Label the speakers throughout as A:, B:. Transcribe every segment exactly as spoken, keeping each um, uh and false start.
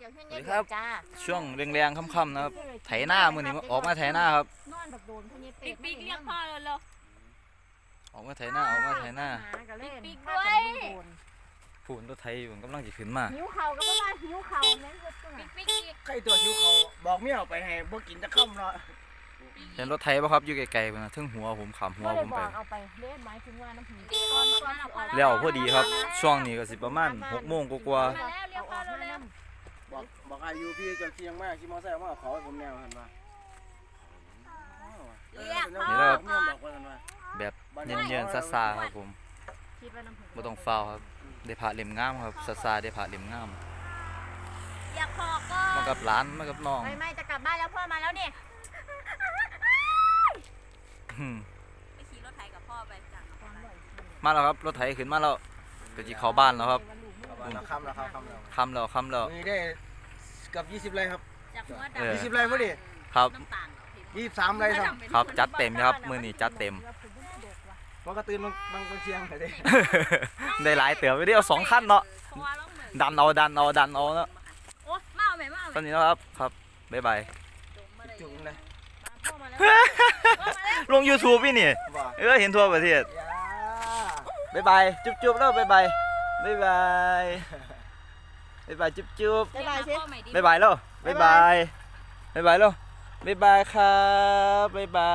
A: จากเพื่อน
B: สวัส
A: เย็
B: ดี
A: น
B: ครับ
A: จ้า
B: ช่วงแรงๆค่ำๆนะครับไถหน้ามือนี้ออกมาไถหน้าครับ
A: นอนแบบโดนเพื่อนเย็นเป็
C: ปิ๊
A: ด
C: กปิ๊กเรียกพ่อเลยเหรอ
B: ออกมาไถหน้าออกมาไถหน้า
A: ปิ๊กด้วย
B: ผูนรถไถอยู่กำลังจะขึ้นมา
A: หิวเข่าก็ว่าหิวเข่าแม่งก็ตัว
C: ปิ๊กปิ๊กอีก
D: ใครตัวชิวเขาบอกเมียเอาไปให้บ่กินจะค่ำเนาะ
B: เห็นรถไถป่ะครับอยู่ไกลๆนะทึ่งหัวผมขำหัว
A: ก็เล
B: ผ
A: ย
B: ม
A: บ
B: ไป
A: อกเอาไปเล่นไม้ถึงว่าน้ำผีก้อนก้อนออก
B: แล้วพอดีครับ ช่วงนี้ก็สิประมาณหกโมงกว่า
C: มาแล้วเรียกพ่อเร็ว
D: บอกบอกอายุพี่เจ้าเคียงมากขี่มอเตอร์ไซค์มาเอาเขาให้ผมแนวหันมาเรียกพ่อเมียบอกว่ากันว่า
B: ๆแบบเย็นๆซาๆครับผม
A: คิดว่าน้ำผี
B: ไม่ต้องเฝ้าครับได้ผ่าเล่มงามครับซาๆได้ผ่าเล่มงาม
C: ๆเรียกพ่อก็
B: มากับหลานมากับน้อง
A: ไม่ไม่จะกลับบ้านแล้วพ่อมาแล้วเนี่ย
B: อืม
C: ไปขี่รถไถกับพ่อไปจ้ะ
B: มาแล้วครับรถไถขึ้นมาแล้วก็จะเข้าบ้านแล้วครับ
D: เราค่ำแล้วครับค่ำแล้ว
B: ค่ำแล้วค่ำแล้ว
D: มีได้เกับยี่สิบไร่ครับ
C: จากหัว
B: เออ
C: ดำ
D: ยี่สิบไร่พอดี
B: ครับ
C: น้ำตาล
D: ยี่สิบสามไร่ครับ
B: ครับจัดเต็มครับมื้อนี้จัดเต็ม
D: มันก็ตื่นบางบางบางเชียงแต่เด้
B: ได้หลายเต๋อไปเดียวสองขั้นเนาะ
C: เพราะว่าเราเหมือน
B: ดันเอาดันเอาดันเอาเนาะ
C: โอ้มาเอาไหมมาเอาไห
B: ต
C: ม
B: อนนี้นะครับครับบ๊ายบาย
D: จุ่มเลย
A: พ่อมาแล้ว
B: ลง YouTube พี่นี่
D: ว่า
B: เออเห็นทั่วประเทศ
D: อย่า
B: บ๊ายบายจุ๊บจุ๊บแล้วบ๊ายบายบ๊ายบายบ๊ายบายจุ๊บจุ๊บ
C: บ๊ายบายสิ
B: บ๊ายบายแล้วบ๊ายบายบ๊ายบายแล้วบ๊ายบายครับบ๊ายบาย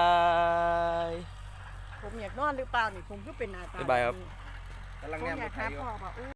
E: ผมอยากนอนหรือเปล่านี่ผมก็เป็นหน้าตา
B: บ๊ายบายครับ
D: กำลัง
E: ผม
D: แนม
E: อยาก
D: ไท
E: หาย
D: อยู่
E: พ่อว่าอู้